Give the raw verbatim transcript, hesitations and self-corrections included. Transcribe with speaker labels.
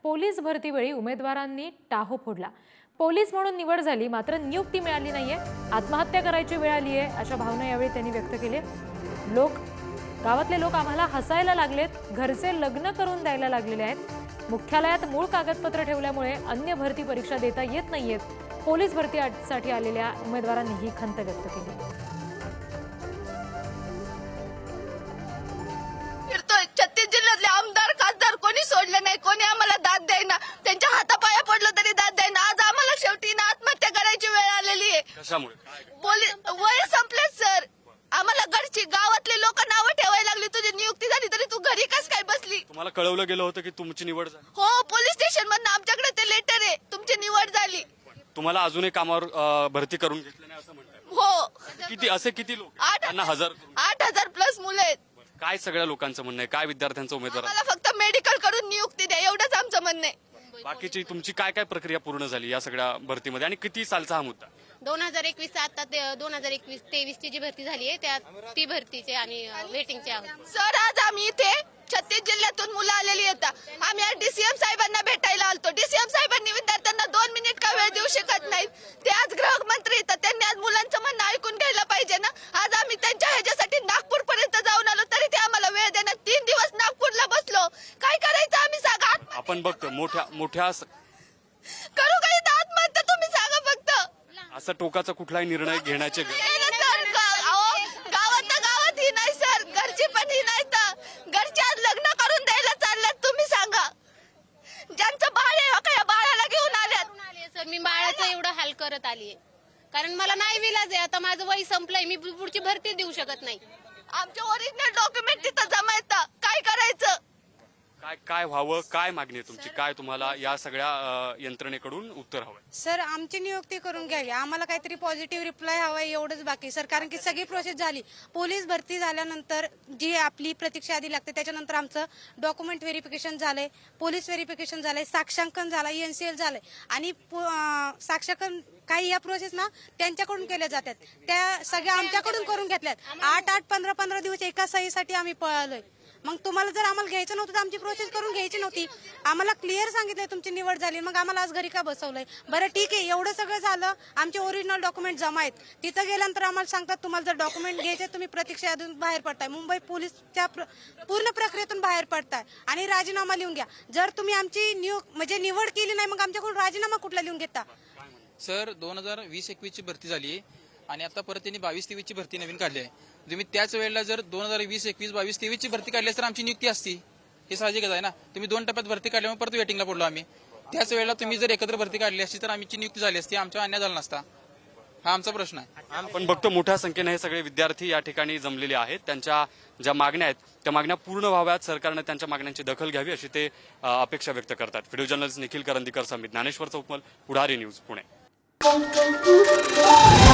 Speaker 1: Police भरतीवेळी उमेदवारांनी Tahoe फोडला। Police म्हणून निवड झाली मात्र नियुक्ती मिळाली नाहीये, आत्महत्या करायची वेळ आली आहे अशा भावना यावेळी त्यांनी व्यक्त केल्या। लोक गावातले लोक आम्हाला हसायला लागलेत, घरचे लग्न करून द्यायला लागलेले आहेत, मुख्यालयात मूळ कागदपत्र ठेवल्यामुळे अन्य भरती परीक्षा देता येत नाहीयेत। पोलीस भरतीसाठी आलेल्या उमेदवारांनी ही खंत व्यक्त केली।
Speaker 2: छत्तीस जिल्ह्यातले आमदार खासदार कोणी सोडले नाही, कोणी आम्हाला दाद देईना, त्यांच्या हातापाया पडलं तरी दाद देईना। आज आम्हाला शेवटी ना आत्महत्या करायची वेळ आलेली आहे।
Speaker 3: कशामुळे?
Speaker 2: पोलीस वय संपले सर, आम्हाला घरची गावातले लोक नावं ठेवायला लागली, तुझी नियुक्ती झाली तरी तू घरी कस काय बसली?
Speaker 3: तुम्हाला कळवलं गेलं होतं की तुमची निवड झाली?
Speaker 2: हो, पोलीस स्टेशन मधून आमच्याकडे ते लेटर आहे, तुमची निवड झाली।
Speaker 3: तुम्हाला अजूनही कामावर अं, भरती करून घेतलं नाही असं म्हणतात?
Speaker 2: हो,
Speaker 3: किती असे किती लोक?
Speaker 2: आठ
Speaker 3: त्यांना हजार
Speaker 2: आठ हजार प्लस मुलं आहेत।
Speaker 3: काय सगळ्या लोकांचं म्हणणं आहे? काय विद्यार्थ्यांचं उमेदवार?
Speaker 2: मला फक्त मेडिकल करून नियुक्ती द्या एवढंच आमचं म्हणणं आहे।
Speaker 3: बाकीची तुमची काय काय प्रक्रिया पूर्ण झाली या सगळ्या भरतीमध्ये आणि किती सालचा हा मुद्दा?
Speaker 4: दोन हजार एकवीस आता दोन हजार एकवीस तेवीस ची जी भरती झाली आहे त्या ती भरतीचे आम्ही वेटिंगचे आहोत।
Speaker 2: सर, आज आम्ही इथे छत्तीस जिल्ह्यातून मुलं आलेली आहेत। आम्ही डीसीएम साहेबांना भेटायला आलतो। डीसीएम साहेबांनी विद्यार्थ्यांना दोन मिनिट का वेळ देऊ शकत नाहीत? ते आज गृहमंत्री आहेत, त्यांनी आज मुलांचं म्हणणं ऐकून घ्यायला पाहिजे ना। आज आम्ही त्यांच्या ह्याच्यासाठी नागपूर पर्यंत जाऊन आलो तरी ते आम्हाला वेळ देणार। तीन दिवस नागपूरला बसलो, काय करायचं आम्ही सांगा?
Speaker 3: आपण बघतो मोठ्या मोठ्या
Speaker 2: करू काही आत्महत्या, तुम्ही सांगा फक्त।
Speaker 3: असं टोकाचा कुठलाही निर्णय घेण्याचे
Speaker 2: गावात गावात ही नाही सर, घरची पण ही नाही तर घरच्या लग्न करून द्यायला चालल्यात, तुम्ही सांगा। ज्यांचं बाळ आहे हो का बाळाला घेऊन आल्यात।
Speaker 4: सर, मी बाळाचं एवढं हाल करत आलीये कारण मला नाही विलाज आहे, आता माझं वय संपलंय, मी पुढची भरती देऊ शकत नाही।
Speaker 2: आमचे ओरिजिनल डॉक्युमेंट तिथं जमा येतं, काय करायचं?
Speaker 3: काय काय व्हावं, काय मागणी आहे तुमची? काय तुम्हाला या सगळ्या अं, यंत्रणेकडून उत्तर हवंय?
Speaker 5: सर, आमची नियुक्ती करून घ्यावी, आम्हाला काहीतरी पॉझिटिव्ह रिप्लाय हवाय, एवढंच बाकी सर। कारण की सगळी प्रोसेस झाली, पोलीस भरती झाल्यानंतर जी आपली प्रतीक्षा यादी लागते त्याच्यानंतर आमचं डॉक्युमेंट व्हेरिफिकेशन झालंय, पोलीस व्हेरिफिकेशन झालंय, साक्षांकन झालंय, एनसीएल झालंय आणि साक्षांकन काही या प्रोसेस ना त्यांच्याकडून केल्या जातात, त्या सगळ्या आमच्याकडून करून घेतल्यात। आठ आठ पंधरा पंधरा दिवस एका सहीसाठी आम्ही पळालोय। मग तुम्हाला जर आम्हाला घ्यायचं नव्हतं तर आमची प्रोसेस करून घ्यायची नव्हती। आम्हाला क्लिअर सांगितलंय तुमची निवड झाली, मग आम्हाला आज घरी का बसवलंय? बरं ठीक आहे, एवढं सगळं झालं, आमचे ओरिजिनल डॉक्युमेंट जमा आहेत, तिथं गेल्यानंतर आम्हाला सांगतात तुम्हाला जर डॉक्युमेंट घ्यायचे तुम्ही प्रतीक्षा यादीतून बाहेर पडताय, मुंबई पोलीसच्या पूर्ण प्रक्रियेतून बाहेर पडताय आणि राजीनामा लिहून घ्या। जर तुम्ही आमची नियुक म्हणजे निवड केली नाही मग आमच्याकडून राजीनामा कुठला लिहून घेता?
Speaker 6: सर, दोन हजार वीस एकवीस ची भरती झाली आणि आता परत त्यांनी बावीस तेवीस ची भरती नवीन काढली आहे। तुम्ही त्याच वेळेला जर दोन हजार वीस एकवीस बावीस तेवीस ची भरती काढली तर आमची नियुक्ती असती, हे साहजिकच आहे ना। तुम्ही दोन टप्प्यात भरती काढल्यामुळे परत वेटिंगला पडलो आम्ही। त्याच वेळेला तुम्ही जर एकत्र भरती काढली असती तर आमची नियुक्ती झाली असती, आमचा अन्याय झाला नसता, हा आमचा प्रश्न आहे।
Speaker 3: आपण बघतो मोठ्या संख्येने हे सगळे विद्यार्थी या ठिकाणी जमलेले आहेत, त्यांच्या ज्या मागण्या आहेत त्या मागण्या पूर्ण व्हाव्यात, सरकारने त्यांच्या मागण्यांची दखल घ्यावी अशी ते अपेक्षा व्यक्त करतात। Video journalist Nikhil Karandikar Samit, Dnyaneshwar Chaukamal, Pudhari news, Pune.